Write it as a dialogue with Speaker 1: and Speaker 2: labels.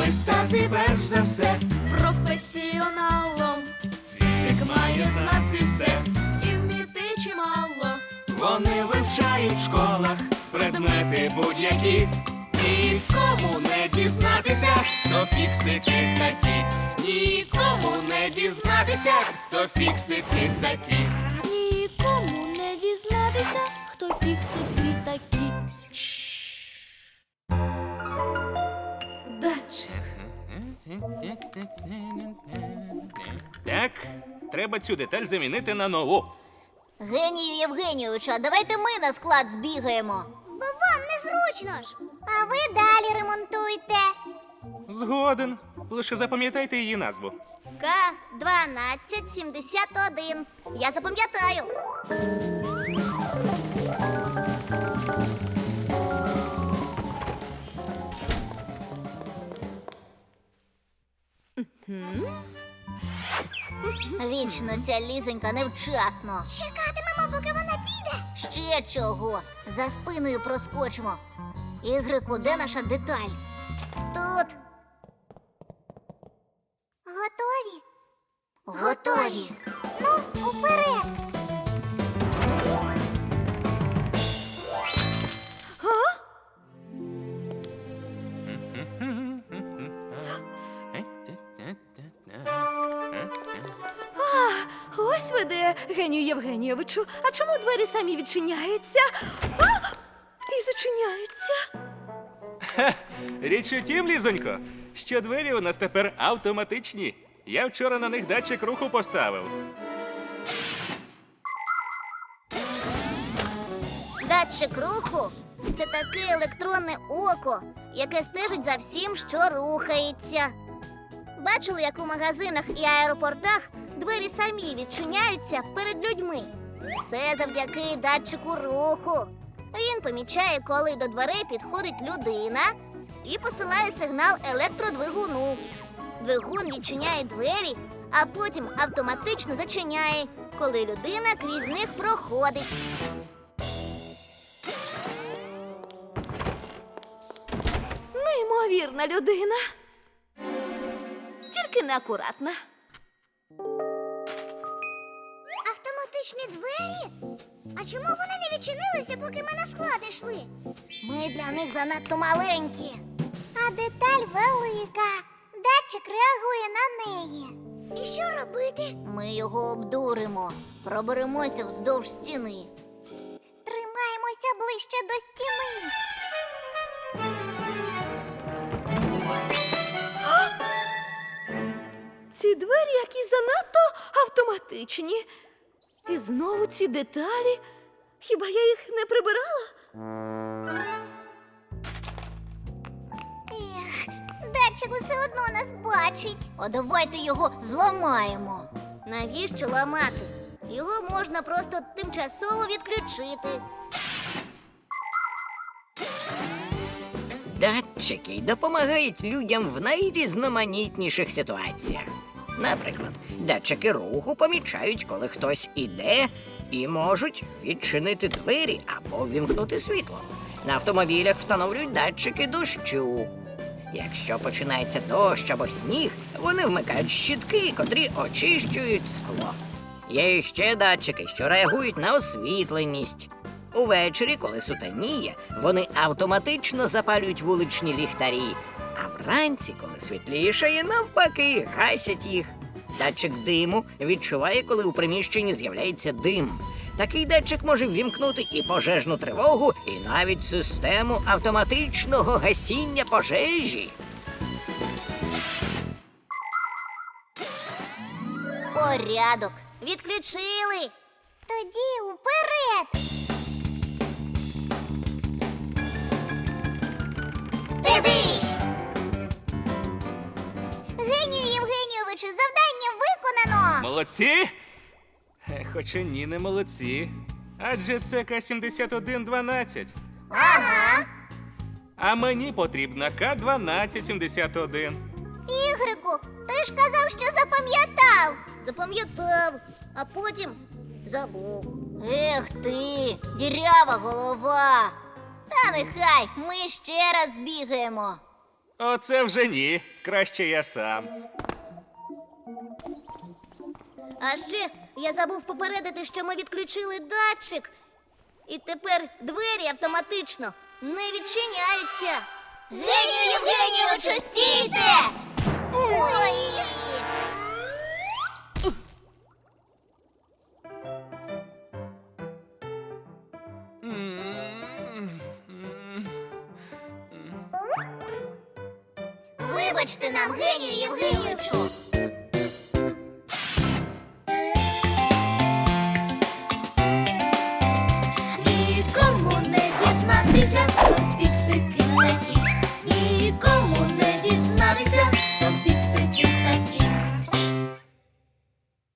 Speaker 1: аби стати перш за все
Speaker 2: професіоналом.
Speaker 1: Фіксик має знати все.
Speaker 2: І вміти чимало.
Speaker 1: Вони вивчають в школах предмети будь-які. Нікому не дізнатися, хто фіксики такі. Нікому не дізнатися, хто фіксики такі.
Speaker 2: Нікому не дізнатися, хто фіксики такі. Датчик.
Speaker 1: Так, треба цю деталь замінити на нову.
Speaker 3: Генію Євгенійовичу, а давайте ми на склад збігаємо. Бо вам незручно ж. А ви далі ремонтуйте.
Speaker 1: Згоден. Лише запам'ятайте її назву.
Speaker 3: К-1271. Я запам'ятаю. Вічно ця лізонька невчасно. Чекатимемо, поки вона піде. Ще чого? За спиною проскочимо. Ігрику, де наша деталь? Тут. Готові? Готові. Ну, уперед.
Speaker 2: Ось ви де, Генію Євгенійовичу. А чому двері самі відчиняються? А! І зачиняються.
Speaker 1: Річ у тім, Лізонько, що двері у нас тепер автоматичні. Я вчора на них датчик руху поставив.
Speaker 3: Датчик руху – це таке електронне око, яке стежить за всім, що рухається. Бачили, як у магазинах і аеропортах двері самі відчиняються перед людьми? Це завдяки датчику руху. Він помічає, коли до дверей підходить людина і посилає сигнал електродвигуну. Двигун відчиняє двері, а потім автоматично зачиняє, коли людина крізь них проходить.
Speaker 2: Неймовірна людина. Тільки неакуратна.
Speaker 3: Автоматичні двері? А чому вони не відчинилися, поки ми на склад йшли? Ми для них занадто маленькі. А деталь велика. Датчик реагує на неї. І що робити? Ми його обдуримо. Проберемося вздовж стіни. Тримаємося ближче до стіни.
Speaker 2: Ці двері якісь занадто автоматичні. І знову ці деталі. Хіба я їх не прибирала?
Speaker 3: Ех, датчик усе одно нас бачить. А давайте його зламаємо. Навіщо ламати? Його можна просто тимчасово відключити.
Speaker 4: Датчики допомагають людям в найрізноманітніших ситуаціях. Наприклад, датчики руху помічають, коли хтось іде, і можуть відчинити двері або ввімкнути світло. На автомобілях встановлюють датчики дощу. Якщо починається дощ або сніг, вони вмикають щітки, котрі очищують скло. Є ще датчики, що реагують на освітленість. Увечері, коли сутеніє, вони автоматично запалюють вуличні ліхтарі, а вранці, коли світлішає, навпаки, гасять їх. Датчик диму відчуває, коли у приміщенні з'являється дим. Такий датчик може ввімкнути і пожежну тривогу, і навіть систему автоматичного гасіння пожежі.
Speaker 3: Порядок. Відключили. Тоді уперед. Дидиш! Генію Євгенійовичу, завдання виконано.
Speaker 1: Молодці? Хоча ні, не молодці. Адже це К-7112.
Speaker 3: Ага.
Speaker 1: А мені потрібна К-1271.
Speaker 3: Ігрику, ти ж казав, що запам'ятав. Запам'ятав, а потім забув. Ех ти, дірява голова. Та нехай, ми ще раз бігаємо.
Speaker 1: Оце вже ні. Краще я сам.
Speaker 3: А ще я забув попередити, що ми відключили датчик. І тепер двері автоматично не відчиняються. Генію Євгенійовичу, стійте! Ой! Вибачте нам, Генію Євгенійовичу.